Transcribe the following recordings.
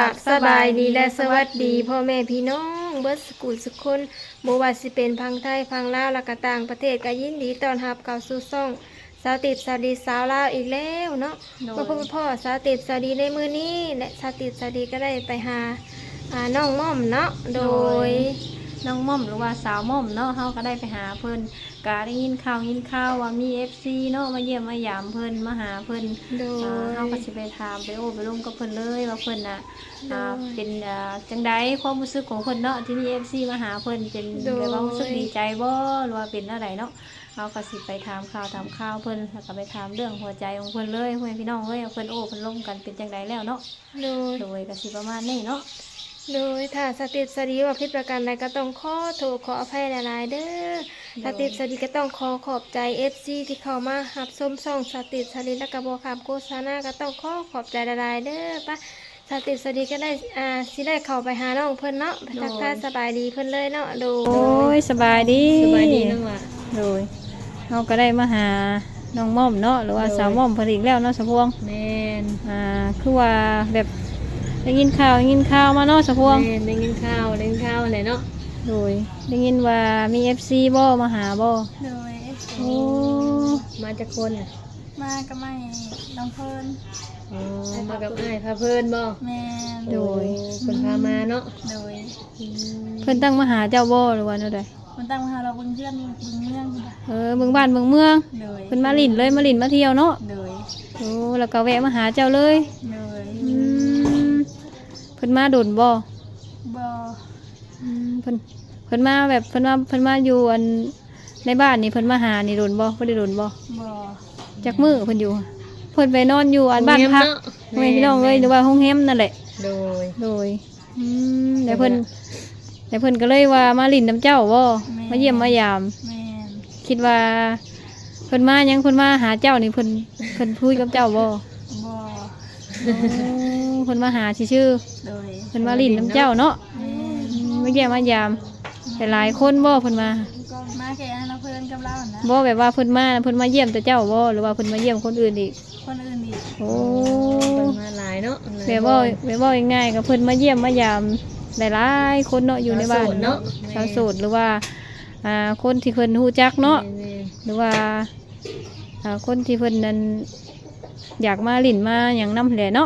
ราบสบายดีและสวัสดีพ่อแม่พี่น้องเบิดสกุลสุขคนบ่ว่าสิเป็นพังไทยพังลาวและก็ต่างประเทศก็ยินดีต้อนรับเข้าสู่ช่องสาวติดสาวดีสาวลาวอีกแล้วเนาะมาพบกับพ่อสาวติดสาวดีในมื้อนี้และสาวติดสาวดีก็ได้ไปหาน้องม่อมเนาะโดยน้องม่อมหรือว่าสาวม่อมเนาะเฮาก็ได้ไปหาเพิ่นก็ได้ยินข่าวว่ามี FC เนาะมาเยี่ยมมายามเพิ่นมาหาเพิ่นโดยเฮาก็สิไปถามไปไปร่วมกับเพิ่นเลยว่าเพิ่นน่ะเป็นจังได๋ความรู้สึกของเพิ่นเนาะที่มี FC มาหาเพิ่นเป็นแบบว่ารู้สึกดีใจบ่หรือว่าเป็นอะไรเนาะเฮาก็สิไปถามข่าวเพิ่นแล้วก็ไปถามเรื่องหัวใจของเพิ่นเลยพ่อแม่พี่น้องเอ้ยเพิ่นเพิ่นร่วมกันเป็นจังไดแล้วเนาะโดยก็สิประมาณนี้เนาะโดยถ้าสติสดีว่าผิดประการใดก็ต้องขอโทษขออภัยหลายๆเด้อสติสดีก็ต้องขอบใจ FC ที่เข้ามารับชมช่องสติสดีและก็บ่ขับโฆษณาก็ต้องขอบใจหลายๆเด้อป่ะสติสดีก็ได้สิได้เข้าไปหาน้องเพิ่นเนาะไปทักทายสบายดีเพิ่นเลยเนาะโอ้ยสบายดีน้องล่ะโดยเฮาก็ได้มาหาน้องม่อมเนาะหรือว่าสาวม่อมเพิ่นอีกแล้วเนาะสะพวงแม่นคือว่าแบบได้ยินข่าวมาเนาะสะพวงได้ยินข่าวเลยเนาะโดยได้ยินว่ามี FC บ่มาหาบ่โดยโอ้มาจากคนมาก็ไม่น้องเพิ่นมากับอ้ายพาเพิ่นบ่แม่โดยเพิ่นพามาเนาะโดยเพิ่นตั้งมาหาเจ้าบ่หรือว่าแนวใดเพิ่นตั้งมาหาเราเบิ่งเพื่อนเบิ่งเมืองเบิ่งบ้านเบิ่งเมืองโดยเพิ่นมาลิ้นเลยมาลิ้นมาเที่ยวเนาะโดยโอ้แล้วก็แวะมาหาเจ้าเลยโดยเพิ่นมาโดนบ่บ่เพิ่นมาแบบเพิ่นมาอยู่อันในบ้านนี่เพิ่นมาหานี่โดนบ่บ่ได้โดนบ่บ่จักมื้อเพิ่นอยู่เพิ่นไปนอนอยู่อันบ้านพักแม่พี่น้องเอ้ยหรือว่าโรงแรมนั่นแหละโดยแล้วเพิ่นก็เลยว่ามาลิ้นน้ำเจ้าบ่มาเยี่ยมมายามแม่คิดว่าเพิ่นมายังเพิ่นมาหาเจ้านี่เพิ่นคุยกับเจ้าบ่เพิ่นมาหาชื่อเพิ่นมาลิ้นน้ำเจ้าเนาะมาเยี่ยมมายามแต่หลายคนบ่เพิ่นมาแค่เราเพิ่นกับเรานะบ่แบบว่าเพิ่นมาเยี่ยมแต่เจ้าบ่หรือว่าเพิ่นมาเยี่ยมคนอื่นอีกโอ้เพิ่นมาหลายเนาะแบบว่าง่ายๆก็เพิ่นมาเยี่ยมมายามหลายๆคนเนาะอยู่ในบ้านเนาะชาวโสดหรือว่าคนที่เพิ่นฮู้จักเนาะหรือว่าคนที่เพิ่นนั้นอยากมาลิ้นมาหยังนำแหละเนาะ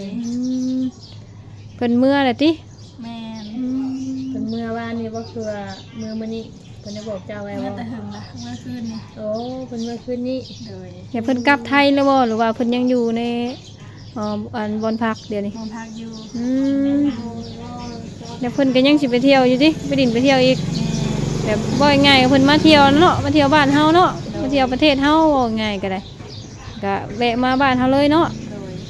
เพิ่นเมื่อแหละติแม่เพิ่นเมื่อวานนี้บ่คือเมื่อมื้อนี้เพิ่นได้บอกเจ้าไว้ว่าแต่หึงล่ะเมื่อคืนนี้โอ้เพิ่นเมื่อคืนนี้เดี๋ยวเพิ่นกลับไทยแล้วบ่หรือว่าเพิ่นยังอยู่ในอันบอนพักเดี๋ยวนี้บอนพักอยู่เดี๋ยวเพิ่นก็ยังสิไปเที่ยวอยู่ดิไปดินไปเที่ยวอีกแบบบ่ง่ายๆเพิ่นมาเที่ยวเนาะมาเที่ยวบ้านเฮาเนาะมาเที่ยวประเทศเฮาง่ายก็ได้ก็แวะมาบ้านเฮาเลยเนาะ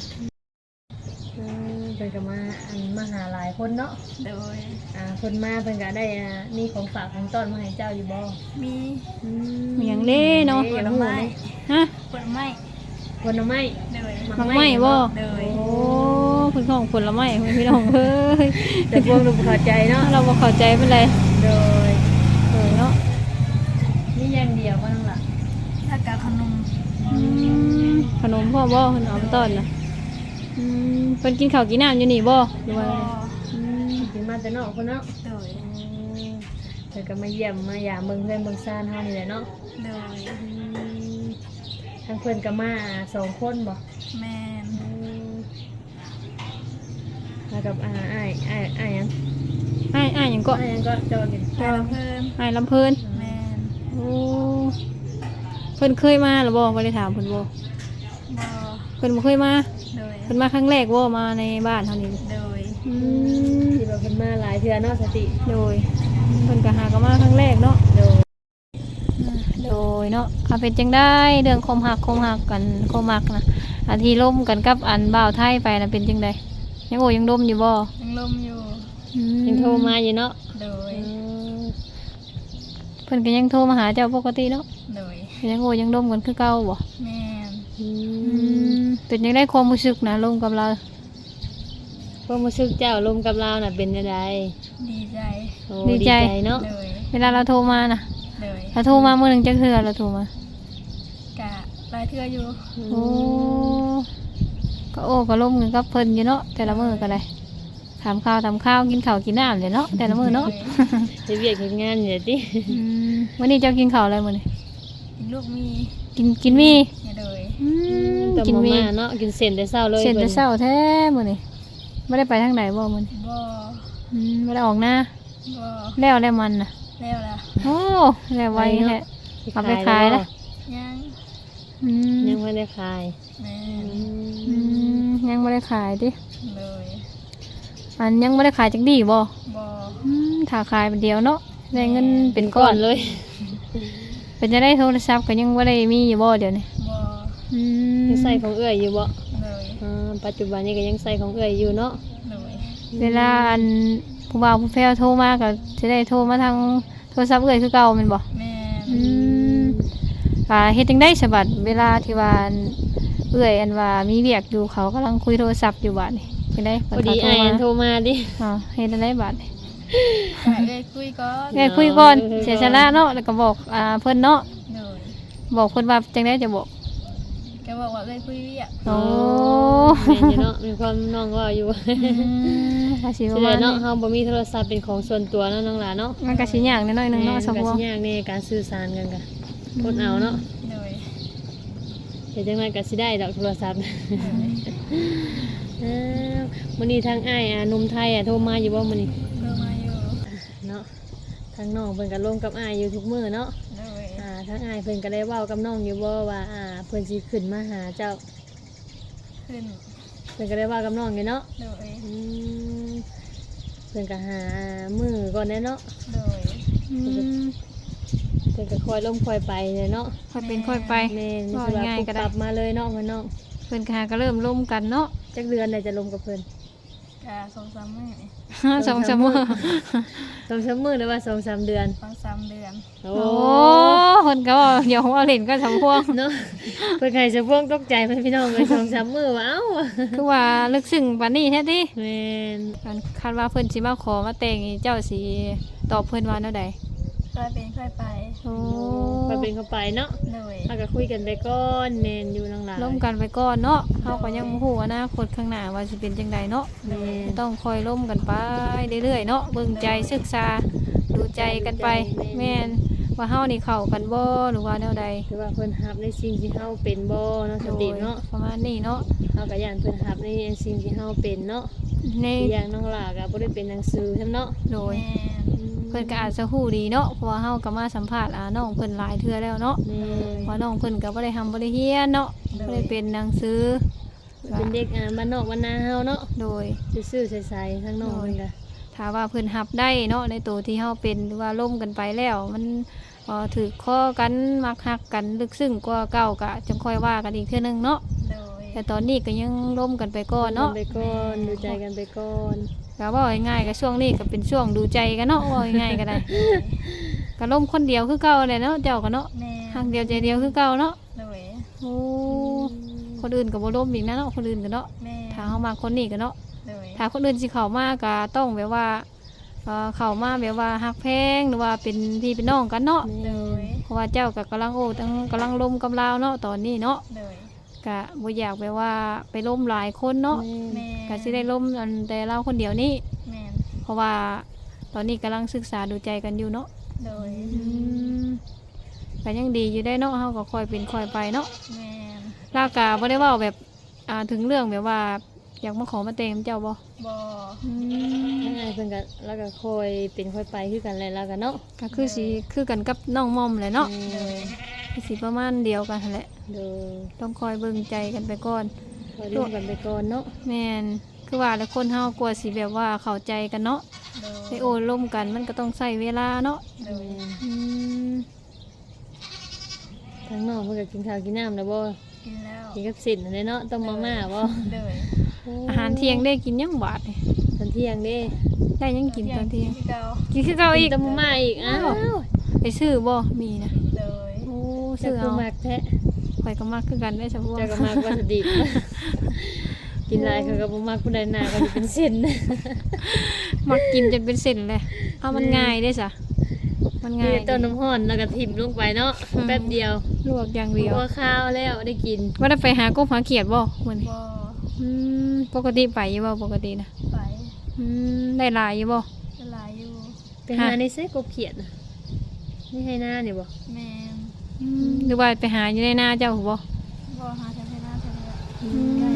เพิ่นก็มาหาหลายคนเนาะโดยเพิ่นมาเพิ่นก็ได้มีของฝากของต้อนมาให้เจ้าอยู่บ่มีหยังเด้เนาะผลไม้ฮะผลไม้โดยมักไม้บ่โอ้เพิ่นของผลไม้พี่น้องเอ้ยแต่พวกเราบ่เข้าใจเนาะเราบ่เข้าใจเป็นไรโดยเนาะนี่อย่างเดียวบ่นั่นล่ะแล้วก็ขนมพ่อบ่เพิ่นเอามาต้อนน่ะเพิ่นกินข้าวกินน้ำอยู่นี่บ่หรือว่ากินมาแต่นอกพุ่นเนาะโดยเพิ่นก็มาเยี่ยมมายามเบิ่งเพื่อนเบิ่งซ่านเฮานี่แหละเนาะโดยทั้งเพิ่นก็มา2คนบ่แม่นแล้วกับอ้ายหยังอ้ายหยังก็จอกินอ้ายลำเพิ่นแม่นโอ้เพิ่นเคยมาหรือบ่ได้ถามเพิ่นบ่เพิ่นบ่เคยมาเพิ่นมาครั้งแรกบ่มาในบ้านเฮานี่โดยที่ว่าเพิ่นมาหลายเทื่อเนาะสติโดยเพิ่นก็หาก็มาครั้งแรกเนาะโดยเนาะเป็นจังได้เรื่องคมหักกันคมหักนะที่ล่มกันกับอันบ่าวไทยไปนะเป็นจังได้ยังยังดมอยู่บ่ยังลมอยู่ยังโทรมาอยู่เนาะโดยเพิ่นก็ยังโทรมาหาเจ้าปกติเนาะโดยยังดมกันคือเก่าบ่แม่เป็นยังได้ความรู้สึกนะลมกับเราความรู้สึกเจ้าลมกับเราน่ะเป็นยังไงดีใจเนาะเวลาเราโทรมาน่ะเราโทรมาเมื่อนึงจักเทื่อเราโทรมากะหลายเทื่ออยู่โอ้ก็ล่มกันกับเพิ่นอยู่เนาะแต่ละมื้อก็ได้ถามข้าวกินข้าวกินน้ำเลยเนาะแต่ละมื้อเนาะเฮ็ดเวียกเฮ็ดงานอยู่ติวันนี้เจ้ากินข้าวอะไรมื้อนี้ลูกมีกินมีอย่าเลยต้มกินมามีม่าเนาะกินเส้นแต่เช้าเลยเสร็จแต่พิ่นเช้าแท้มื้อนี้บ่ได้ไปทางไหนบ่มื้อนี้บ่บ่ได้ออกหน้าบ่แล้วมันน่ะแล้วล่ะโอ้แล้วไวแท้ เอาไปขายนะยังอืมยังไม่ได้ขายแม่ยังบ่ได้ขายติเลยอันยังบ่ได้ขายจักดีบ่บ่ถ้าขายเป็นเดียวเนาะได้เงินเป็นก้ก่ออน นเลยเป็นจะได้โทรศัพท์ก็ยังบ่ได้มีอยู่บ่เดี๋ยวนี้บ่อืมยังใส่ของเอื้อยอยู่บ่เลยปัจจุบันนี้ก็ยังใส่ของเอื้อยอยู่เนาะเลยเวลาอันผู้บ่าวผู้แฟวโทรมาก็จะได้โทรมาทางโทรศัพท์เอ้อยคือเก่าแม่นบ่แม่อืมเฮ็ดจังได๋สะบัดเวลาที่ว่าอันเอ้อยอันว่ามีเวียกอยู่เขากำลังคุยโทรศัพท์อยู่บัดนี่จังได๋พอดีอ้ายอันโทรมาดิเฮ็ดจังได๋บัดนี่ก็ให้ได้คุยก่อนเอ้อยคุยก่อนเสียสละเนาะแล้วก็บอกเพิ่นเนาะเลยบอกเพิ่นว่าจังได๋จะบอกแกบอกว่าได้คุยเวียกโอ้แม่นอยู่เนาะมีความน้องว่าอยู่ก็สิสิประได้มาณเนาะนี้เฮาบ่มีโทรศัพท์เป็นของส่วนตัวเนาะน้องหลานเนาะมันก็สิยากนิดหน่อยหนึงเนาะสมก็บูรสิณ์ยากในการสื่อสารกันก็อดเอาเนาะเลยเฮ็ดจังไดก็สิได้ดอกโทรศัพท์มื้อนี้ทางอ้ายหนุ่มไทยโทรมาอยู่บ่มื้อนี้เพิ่มมาอยู่เนาะทางน้องเพิ่นก็ลงกับอ้ายอยู่ทุกมื้อเนาะเลยทางอ้ายเพิ่นก็ได้เว้ากับน้องอยู่บ่ว่าเพิ่นสิขึ้นมาหาเจ้าขึ้นเพิ่นก็ได้เว้ากับน้องอยู่เนาะเลยอืมเพิ่นก็หามื้อก่อนแน่เนาะเลยอืมเพิ่นก็คอยล้มคอยไปเลยเนาะค่อยเป็นค่อยไปแม่นว่าสิว่าง่ายปุ๊บก็ได้ปรับมาเลยเนาะเพิ่นเนาะเพิ่นก็หาก็เริ่มร่มกันเนาะจักเดือนได้จะลมกับเพิ่นกะ2-3มื้อนี่ 2-3มื้อ 2-3มื้อหรือว่า2-3 เดือน 2-3เดือนโอ้โอ้เพิ่นก็ว่าเดี๋ยวเอาเล่นก็สำพวงเนาะเพิ่นใครจะพ่วงตกใจเพิ่นพี่น้องเลย2-3 มื้อว่าเอ้าคือว่าลึกซึ้งปานนี้แท้ติแม่นการคาดว่าเพิ่นสิมาขอมาแต่งนี่เจ้าสิตอบเพิ่นว่าแนวใดค่อยเป็นค่อยไปโอ้ไปเป็นเข้าไปเนาะเลยเฮาก็คุยกันไปก่อนแม่นอยู่น้องหลานร่วมกันไปก่อนเนาะเฮาก็ยังบ่ฮู้อนาคตข้างหน้าว่าสิเป็นจังใดเนาะแม่นต้องคอยร่วมกันไปเรื่อยๆเนาะเบิ่งใจศึกษาดูใจกันไปแม่นว่าเฮานี่เข้ากันบ่หรือว่าแนวใดคือว่าเพิ่นรับในสิ่งที่เฮาเป็นบ่เนาะสติเนาะประมาณนี้เนาะเฮาก็ย่านเพิ่นรับในสิ่งที่เฮาเป็นเนาะในอีกอย่างน้องหลาก็บ่ได้เป็นหนังสือซั่นเนาะโดยแม่เพิ่นก็อาจจะฮู้ดีเนาะเพราะว่าเฮาก็มาสัมภาษณ์น้องเพิ่นหลายเทื่อแล้วเนาะแม่นว่าน้องเพิ่นก็บ่ได้ทำบ่ได้เรียนเนาะบ่ได้เป็นหนังสือเป็นเด็กบ้านนอกบ้านนาเฮาเนาะโดยซื่อๆใสๆทั้งน้องเพิ่นก็ถ้าว่าเพิ่นรับได้เนาะในตัวที่เฮาเป็นหรือว่าล่มกันไปแล้ว มันถือข้อกันมักฮักกันลึกซึ้งกว่าเก่าก็จังค่อยว่ากันอีกเทื่อนึงเนาะเลยแต่ตอนนี้ก็ยังล่มกันไปก่อนเนาะไปก่อนดูใจกันไปก่อนก็ว่าง่ายๆก็ช่วงนี้ก็เป็นช่วงดูใจกันเนาะว่าง่ายๆก็ได้ ก็ล่มคนเดียวคือเก่าเลยเนาะเจ้าก็เนาะแม่ทางเดียวใจเดียวคือเก่าเนาะเลยโอ้คนอื่นก็บ่ล่มอีกนะเนาะคนอื่นก็เนาะแม่ถ้าเฮามาคนนี้ก็เนาะเลยถ้าคนอื่นสิเข้ามาก็ต้องแบบว่าเข้ามาแบบว่าฮักแพงหรือว่าเป็นพี่เป็นน้องกันเนาะเลยเพราะว่าเจ้าก็กำลังโอ้ตั้งกำลังล้มกำลาวเนาะตอนนี้เนาะเลยก็บ่อยากแบบว่าไปล้มหลายคนเนาะแม่ก็สิได้ล้มอันแต่เราคนเดียวนี่แม่เพราะว่าตอนนี้กำลังศึกษาดูใจกันอยู่เนาะเลยก็ยังดีอยู่ได้เนาะเฮาก็ค่อยเป็นค่อยไปเนาะแม่ลาวก็บ่ได้เว้าแบบถึงเรื่องแบบว่าอยากมาขอมาแต่งเจ้าบ่บ่ทั้งอ้ายเพิ่นก็แล้วก็ค่อยเป็นค่อยไปคือกันแหละแล้วก็เนาะก็คือสิคือกันกับน้องมอมแหละเนาะเลยก็สิประมาณเดียวกันนั่นแหละโดยต้องคอยเบิ่งใจกันไปก่อนค่อยร่วมกันไปก่อนเนาะแม่นคือว่าแล้วคนเฮากลัวสิแบบว่าเข้าใจกันเนาะเลยได้โอ้ล่มกันมันก็ต้องใช้เวลาเนาะเลยอืมทั้งน้องเพิ่นก็กินข้าวกินน้ำแล้วบ่กินแล้วกินกับสินนั่นแหละเนาะต้มมาม่าบ่เลยอาหารเที่ยงได้กินยังบาดนี่ตอนเที่ยงเด้ได้ยังกินตอนเที่ยงที่เก่ากินคือเก่าอีกต้มมาม่าอีกอ้าวไปซื้อบ่มีนะเลยโอ้เจ้าซื้อคือเอามักแท้ข่อยก็มักคือกันได้สะพวงเจ้าก็มักวัตถุดิบ กินหลายเขาก็บ่มักผู้ใดหน้าก็สิเป็นเส้นมักกินจนเป็นเส้นเลยเอามันง่ายได้ซะมันง่ายนี่ต้นน้ำร้อนแล้วก็ทิ่มลงไปเนาะแป๊บเดียวลวกอย่างเดียวหัวข้าวแล้วได้กินว่าได้ไปหากบหาเขียดบ่มื้อนี้บ่ปกติไปอยู่บ่ปกตินะไปได้หลายอยู่บ่หลายอยู่ไปหาในเซ็กกบเขียดน่ะนี่ให้หน้าเนี่ยบ่แม่นหรือว่าไปหาอยู่ในนาเจ้าบ่บ่หาแถวให้หน้าแถวนี้ไก่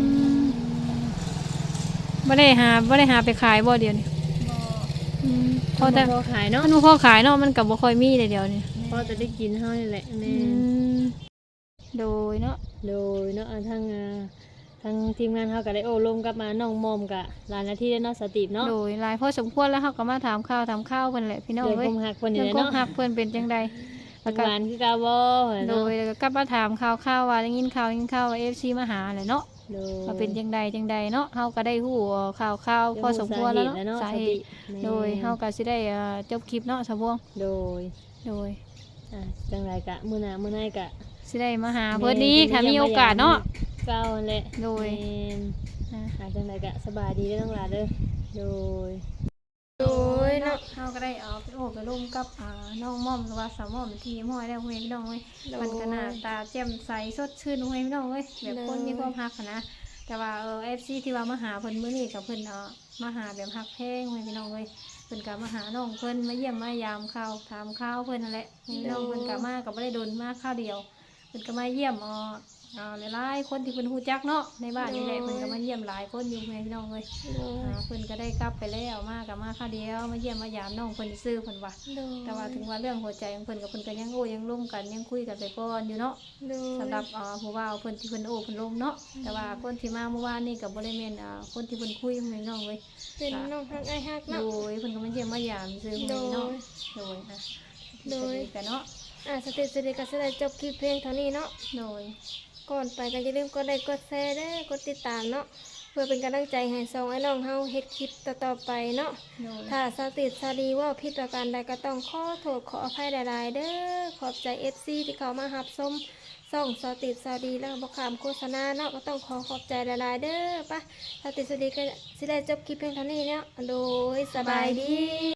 บ่ได้หาไปขายบ่เดี๋ยวนี้บ่พอแต่พอขายเนาะมันบ่พอขายเนาะมันก็บ่ค่อยมีเลยเดี๋ยวนี้พอจะได้กินเฮานี่แหละแม่โดยเนาะโดยเนาะทางทีมงานเฮาก็ได้โอ้ลมกับมาน้องมอมกะหลายนาทีแล้วเนาะสติปเนาะโดยหลายพอสมควรแล้วเฮาก็มาถามข่าวเพิ่นแหละพี่น้องเรื่องเอ้คยมหักเพิ่นนี่เรื่องแหละความเนาะรักเพิ่นเป็นจังใดแล้วก็หวานคือกาบ่โดเนาะยแล้วก็กลับมาถามข่าวว่าได้ยินข่าวว่า FC มาหาแหละเนาะโดยว่าเป็นจังใดเนาะเฮาก็ได้ฮู้ข่าวพอสมควรแล้วเนาะสาเหตุโดยเฮาก็สิได้จบคลิปเนาะสาวบวงโดยโดยจังไรกะมื้อหน้ามื้อไหนกะสิได้มาหาเพิ่นอีกถ้ามีโอกาสเนาะเก้านั่นแหละโดยแม่นจังไรกะสบายดีเด้อน้องหลานเด้อโดยโดยเนาะเฮาก็ได้เอาไปโอบไปร่มกับน้องม่อมหรือว่าสาวม่อมที่ห้อยได้ห้วยพี่น้องเว้ยมันก็หน้าตาแจ่มใสสดชื่นห้วยพี่น้องเว้ยแบบคนมีความรักหั้นนะแต่ว่าFC ที่ว่ามาหาเพิ่นมื้อนี้กับเพิ่นมาหาแบบฮักแพงห้วยพี่น้องเว้ยเพิ่นก็มาหาน้องเพิ่นมาเยี่ยมมายามข่าวถามข่าวเพิ่นนั่นแหละพี่น้องเพิ่นก็มาก็บ่ได้โดนมาข้าวเดียวเพิ่นก็มาเยี่ยมหลายๆคนที่เพิ่นฮู้จักเนาะในบ้านนี่แหละเพิ่นก็มาเยี่ยมหลายคนอยู่ห้วยพี่น้องเว้ยโดยเพิ่นก็ได้กลับไปแล้วมากับมาข้าวเดียวมาเยี่ยมมายามน้องเพิ่นซื้อเพิ่นว่าโดยแต่ว่าถึงว่าเรื่องหัวใจของเพิ่นกับเพิ่นก็ยังโอ้ยังร่วมกันยังคุยกันไปก่อนอยู่เนาะโดยสำหรับผู้ว่าเพิ่นที่เพิ่นโอ้เพิ่นร่มเนาะแต่ว่าคนที่มาเมื่อวานนี่ก็บ่ได้แม่นคนที่เพิ่นคุยให้น้องเว้ยเป็นน้องฮักไอ้ฮักโดเนาะยเพิ่นก็มาเยี่ยมมายามซื้อโดให้ยเนาะโดยโดยกันเนาะสเตจก็จะได้จบคลิปเพลงเท่านี้เนาะโดยก่อนไปก็อย่าลืมกดไลค์กดแชร์เด้อกดติดตามเนาะเพื่อเป็นกำลังใจให้สองไอ้น้องเฮาเฮ็ดคลิปต่อๆไปเนาะโดยถ้าสติสรีว่าผิดประการใดก็ต้องขอโทษขออภัยหลายๆเด้อขอบใจ FC ที่เขามารับชมส่องสติสรีแล้วบ่ขามโฆษณาเนาะก็ต้องขอบใจหลายๆเด้อปะสติสรีก็สิได้จบคลิปเพียงเท่านี้เนาะโดยสบายดี